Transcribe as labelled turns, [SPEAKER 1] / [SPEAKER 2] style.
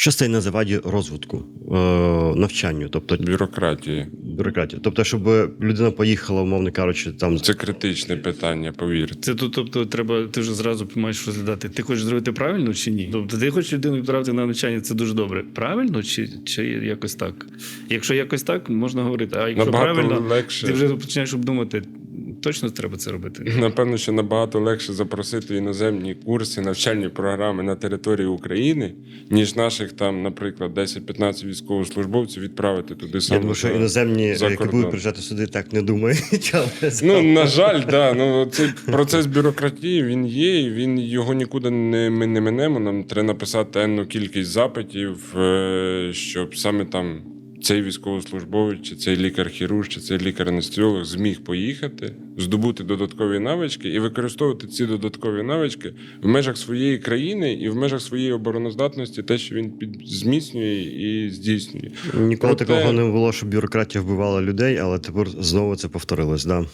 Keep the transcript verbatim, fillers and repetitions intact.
[SPEAKER 1] Що стає на заваді розвитку, е, навчанню, тобто
[SPEAKER 2] Бюрократії.
[SPEAKER 1] бюрократія? Тобто, щоб людина поїхала, умовно кажучи, там
[SPEAKER 2] Це критичне питання, повірте.
[SPEAKER 3] Це тут, тобто, треба, ти вже зразу маєш розглядати, ти хочеш зробити правильно чи ні? Тобто, ти хочеш людину відправити на навчання, це дуже добре. Правильно чи, чи якось так? Якщо якось так, можна говорити. А якщо
[SPEAKER 2] Набагато
[SPEAKER 3] правильно,
[SPEAKER 2] легше.
[SPEAKER 3] ти вже починаєш обдумати, точно треба це робити.
[SPEAKER 2] Напевно, що набагато легше запросити іноземні курси, навчальні програми на території України, ніж наших там, наприклад, десять-п'ятнадцять військовослужбовців відправити туди саме.
[SPEAKER 1] я думаю, що іноземні,
[SPEAKER 2] за
[SPEAKER 1] які
[SPEAKER 2] кордон.
[SPEAKER 1] будуть приїжджати сюди, так не думають. Але
[SPEAKER 2] Ну, на жаль, да. Ну, цей процес бюрократії, він є, і він його нікуди не, ми не минемо. Нам треба написати енну кількість запитів, е, щоб саме там цей військовослужбовець, чи цей лікар-хірург, чи цей лікар-анестезіолог зміг поїхати, здобути додаткові навички і використовувати ці додаткові навички в межах своєї країни і в межах своєї обороноздатності, те, що він під... зміцнює і здійснює.
[SPEAKER 1] ніколи
[SPEAKER 2] Проте-
[SPEAKER 1] такого не було, щоб бюрократія вбивала людей, але тепер знову це повторилось. Да.